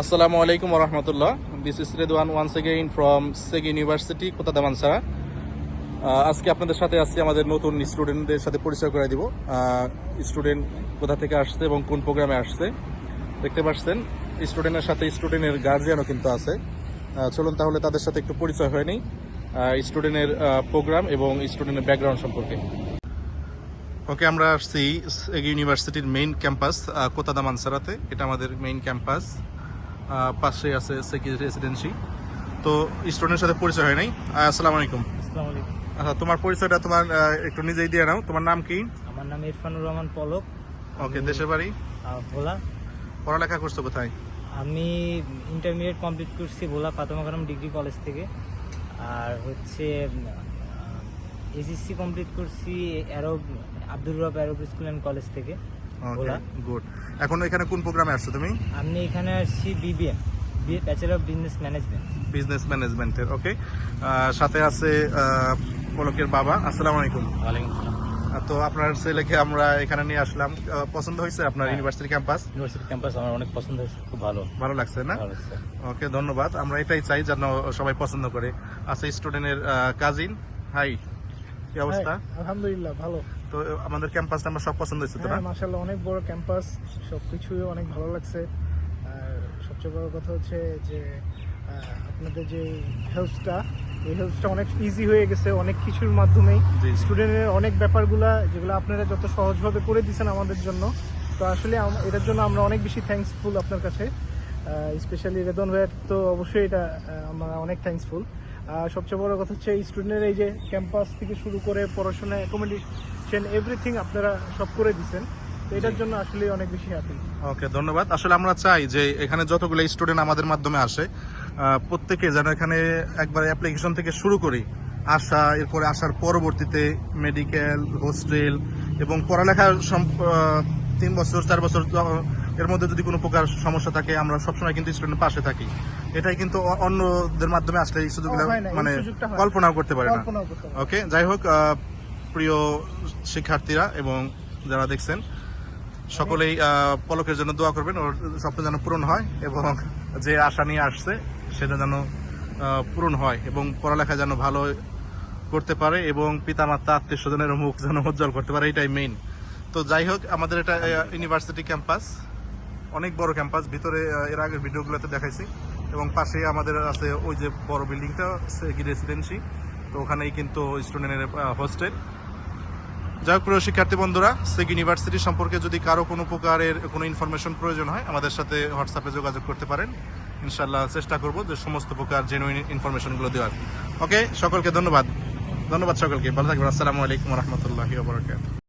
Assalamu alaikum wa rahmatullah. This is Redwan once again from SEG University, কোতা দামানছাড়া। আজকে আপনাদের সাথে আছি আমাদের নতুন স্টুডেন্টদের সাথে পরিচয় করে দিব। স্টুডেন্ট কোথা থেকে আসছে এবং কোন প্রোগ্রামে আসছে দেখতে পাচ্ছেন। স্টুডেন্টের সাথে স্টুডেন্টের গার্জিয়ানও কিন্তু আছে। চলুন তাহলে তাদের সাথে একটু পরিচয় হয়ে নিই স্টুডেন্টের প্রোগ্রাম এবং স্টুডেন্টের ব্যাকগ্রাউন্ড সম্পর্কে। ওকে, আমরা আসছি SEG ইউনিভার্সিটির মেইন ক্যাম্পাস কোতা দামানছাড়াতে। এটা আমাদের মেইন ক্যাম্পাস, পাশে আছে SEG রেসিডেন্সি। তো স্টুডেন্টের সাথে পরিচয় হয় নাই। আসসালামু আলাইকুম। আচ্ছা, তোমার পরিচয়টা তোমার একটু নিজেই দিয়ে নাও। তোমার নাম কি? আমার নাম ইরফানুর রহমান পলক। ওকে, দেশের বাড়ি? ভোলা। পড়ালেখা করছো কোথায়? আমি ইন্টারমিডিয়েট কমপ্লিট করছি ভোলা ফাতেমা খানম ডিগ্রি কলেজ থেকে। আর হচ্ছে এসএসসি কমপ্লিট করছি আব্দুর রব অ্যারব স্কুল অ্যান্ড কলেজ থেকে ভোলা। গুড। এখন এখানে কোন প্রোগ্রামে আসছো তুমি? আমি এখানে আসছি BBM, bachelor of business management. বিজনেস ম্যানেজমেন্টের। ওকে, সাথে আছে পলকের বাবা। আসসালামু আলাইকুম। ওয়ালাইকুম আসসালাম। তো আপনার ছেলেকে আমরা এখানে নিয়ে আসলাম। পছন্দ হয়েছে আপনার ইউনিভার্সিটি ক্যাম্পাস? ইউনিভার্সিটি ক্যাম্পাস আমার অনেক পছন্দ হয়েছে, খুব ভালো লাগছে না? ওকে, ধন্যবাদ। আমরা এটাই চাই যেন সবাই পছন্দ করে। আচ্ছা, স্টুডেন্টের কাজিন, হাই, কি অবস্থা? আলহামদুলিল্লাহ ভালো। তো আমাদের ক্যাম্পাসটা আমরা সব পছন্দ হয়েছে তো না? মাশাআল্লাহ, অনেক বড় ক্যাম্পাস, সবকিছু অনেক ভালো লাগছে। আর সবচেয়ে বড় কথা হচ্ছে যে আপনাদের যে হেল্পসটা, এই হেল্পসটা অনেক ইজি হয়ে গেছে অনেক কিছুর মাধ্যমেই। স্টুডেন্টের অনেক ব্যাপারগুলা যেগুলো আপনারা যত সহজভাবে করে দিয়েছেন আমাদের জন্য, তো আসলে এটার জন্য আমরা অনেক বেশি থ্যাঙ্কসফুল আপনার কাছে। স্পেশালি রেদন ভাইয়ের তো অবশ্যই এটা আমরা অনেক থ্যাঙ্কসফুল। আর সবচেয়ে বড় কথা হচ্ছে স্টুডেন্টের এই যে ক্যাম্পাস থেকে শুরু করে পড়াশোনা, অ্যাকোমোডেশন, এভরিথিং আপনারা সব করে দিচ্ছেন, তো এটার জন্য আসলে অনেক বেশি হ্যাপি। ওকে, ধন্যবাদ। আসলে আমরা চাই যে এখানে যতগুলো স্টুডেন্ট আমাদের মাধ্যমে আসে প্রত্যেকে যেন এখানে একবার অ্যাপ্লিকেশন থেকে শুরু করি আসা, এরপরে আসার পরবর্তীতে মেডিকেল, হোস্টেল এবং পড়ালেখা 3 বছর 4 বছর এর মধ্যে যদি কোনো প্রকার সমস্যা থাকে আমরা সবসময় কিন্তু স্টুডেন্টের পাশে থাকি। এটাই কিন্তু অন্যদের মাধ্যমে আসলে এই সুযোগগুলো মানে কল্পনাও করতে পারে না। ওকে, যাই হোক, প্রিয় শিক্ষার্থীরা এবং যারা দেখছেন সকলেই পলকের জন্য দোয়া করবেন, ওর স্বপ্ন যেন পূরণ হয় এবং যে আশা নিয়ে আসছে সেটা যেন পূরণ হয় এবং পড়ালেখা যেন ভালো করতে পারে এবং পিতামাতা আত্মীয় স্বজনের মুখ যেন উজ্জ্বল করতে পারে, এটাই মেইন। তো যাই হোক, আমাদের এটা ইউনিভার্সিটি ক্যাম্পাস, অনেক বড় ক্যাম্পাস। ভিতরে এর আগের ভিডিওগুলোতে দেখাইছি এবং পাশে আমাদের আছে ওই যে বড় বিল্ডিংটা SEG রেসিডেন্সি, তো ওখানেই কিন্তু স্টুডেন্টের হোস্টেল। যাই হোক, প্রিয় শিক্ষার্থী বন্ধুরা, SEG ইউনিভার্সিটি সম্পর্কে যদি কারো কোনো প্রকারের কোনো ইনফরমেশন প্রয়োজন হয় আমাদের সাথে হোয়াটসঅ্যাপে যোগাযোগ করতে পারেন। ইনশাল্লাহ চেষ্টা করব যে সমস্ত প্রকার জেনুইন ইনফরমেশনগুলো দেওয়ার। ওকে, সকলকে ধন্যবাদ সকলকে। ভালো থাকবেন। আসসালামু আলাইকুম ওয়া রাহমাতুল্লাহি ওয়া বারাকাতুহু।